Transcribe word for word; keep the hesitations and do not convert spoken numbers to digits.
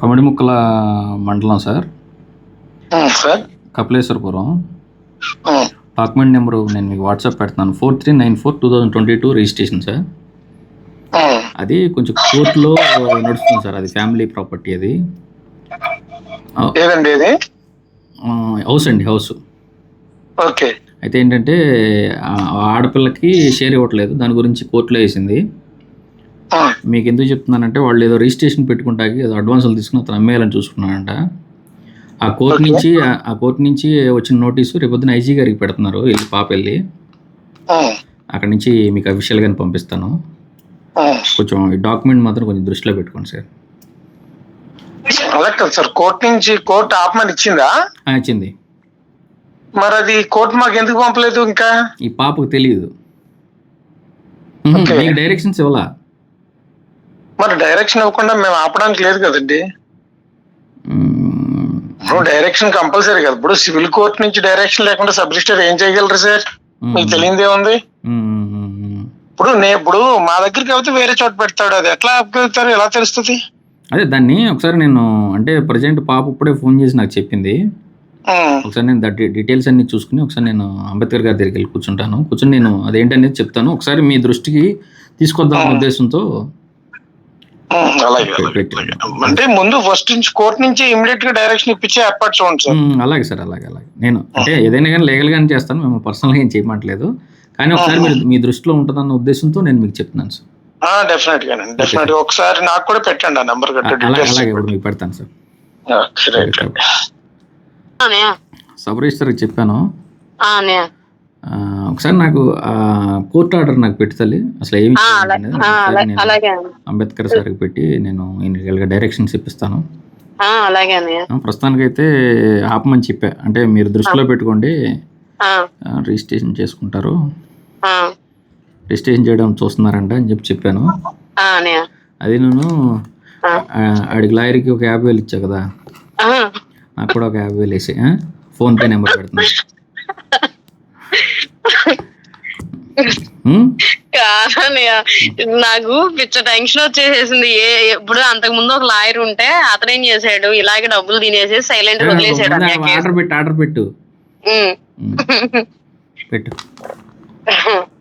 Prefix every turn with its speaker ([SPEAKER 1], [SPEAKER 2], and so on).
[SPEAKER 1] పమిడిముక్కల మండలం sir,
[SPEAKER 2] sir
[SPEAKER 1] Kapileswarapuram. Document number నేను మీకు వాట్సాప్ పెడతాను. Four three nine four two thousand twenty two registration sir. అది కొంచెం కోర్టులో నడుస్తుంది సార్. అది ఫ్యామిలీ ప్రాపర్టీ. అది
[SPEAKER 2] ఏదండి ఇది?
[SPEAKER 1] హౌస్ అండి, హౌస్.
[SPEAKER 2] ఓకే.
[SPEAKER 1] అయితే ఏంటంటే ఆడపిల్లకి షేర్ ఇవ్వట్లేదు, దాని గురించి కోర్టులో వేసింది. మీకు ఎందుకు చెప్తున్నానంటే వాళ్ళు ఏదో రిజిస్ట్రేషన్ పెట్టుకుంటాకి ఏదో అడ్వాన్సులు తీసుకుని అతను అమ్మేయాలని చూసుకున్నానంట. ఆ కోర్టు నుంచి ఆ కోర్టు నుంచి వచ్చిన నోటీసు రేపొద్దున ఐజీ గారికి పెడుతున్నారు. వెళ్ళి పాప వెళ్ళి అక్కడ నుంచి మీకు అఫీషియల్గానే పంపిస్తాను. కొంచెం ఈ డాక్యుమెంట్ మాత్రం కొంచెం దృష్టిలో పెట్టుకోండి సార్.
[SPEAKER 2] అలా కదా సార్, కోర్టు నుంచి కోర్టు ఆపమని ఇచ్చిందా?
[SPEAKER 1] ఇచ్చింది.
[SPEAKER 2] మరి అది కోర్టు మాకు ఎందుకు పంపలేదు? ఇంకా
[SPEAKER 1] ఈ పాపకు తెలియదు. మీకు డైరెక్షన్స్ ఇవ్వాలా?
[SPEAKER 2] మరి డైరెక్షన్ ఇవ్వకుండా మేము ఆపడానికి లేదు కదండి. ఇప్పుడు డైరెక్షన్ కంపల్సరీ కదా. ఇప్పుడు సివిల్ కోర్టు నుంచి డైరెక్షన్ లేకుండా సబ్ రిజిస్టర్ ఏం చేయగలరు సార్? మీకు తెలియదే ఉంది. ఇప్పుడు నేను ఇప్పుడు మా దగ్గరికి అయితే వేరే చోట పెడతాడు, అది ఎట్లా ఆపగలుగుతారు? ఎలా తెలుస్తుంది?
[SPEAKER 1] అదే దాన్ని ఒకసారి నేను అంటే ప్రజెంట్ పాప ఇప్పుడే ఫోన్ చేసి నాకు చెప్పింది. ఒకసారి నేను దట్ డీటెయిల్స్ అన్ని చూసుకుని ఒకసారి నేను అంబేద్కర్ గారి దగ్గరికి వెళ్ళి కూర్చుంటాను. కూర్చొని నేను అదేంటనేది చెప్తాను. ఒకసారి మీ దృష్టికి తీసుకొద్దాం ఉద్దేశంతో.
[SPEAKER 2] అంటే ముందు ఫస్ట్ నుంచి కోర్టు నుంచి ఇమీడియట్ గా డైరెక్షన్ ఇప్పించే ఏర్పాటు చూడండి సార్.
[SPEAKER 1] అలాగే సార్, అలాగే అలాగే. నేను అంటే ఏదైనా కానీ లీగల్ గానే చేస్తాను, మేము పర్సనల్ గా ఏం చేయమంటలేదు. కానీ ఒకసారి మీరు మీ దృష్టిలో ఉంటుందన్న ఉద్దేశంతో నేను మీకు చెప్తున్నాను సార్.
[SPEAKER 2] డెఫినెట్ గా డెఫినెట్ ఒకసారి నాకు కూడా పెట్టండి ఆ నెంబర్.
[SPEAKER 1] అలాగే ఇప్పుడు మీకు పెడతాను సార్. సబ్ రిజిస్టర్ చెప్పాను. ఒకసారి నాకు కోర్టు ఆర్డర్ నాకు పెట్టి తల్లి అసలు ఏమి అంబేద్కర్ సార్కి పెట్టి నేను ఇన్గా డైరెక్షన్స్ ఇప్పిస్తాను. ప్రస్తుతానికైతే ఆపమని చెప్పా. అంటే మీరు దృష్టిలో పెట్టుకోండి, రిజిస్ట్రేషన్ చేసుకుంటారు, రిజిస్ట్రేషన్ చేయడం చూస్తున్నారంట అని చెప్పి చెప్పాను. అది నేను ఆడికి లాయర్కి ఒక యాభై వేలు ఇచ్చా కదా, నాకు కూడా ఒక యాభై వేలు వేసి ఫోన్ పే నెంబర్ పెడుతున్నా.
[SPEAKER 3] నాకు పిచ్చ టెన్షన్ వచ్చేసేసింది. ఏ ఇప్పుడు అంతకు ముందు ఒక లాయర్ ఉంటే అతను ఏం చేశాడు, ఇలాగే డబ్బులు తినేసి సైలెంట్ వదిలేసాడు.
[SPEAKER 1] ఆర్డర్ పెట్టు ఆర్డర్ పెట్టు పెట్టు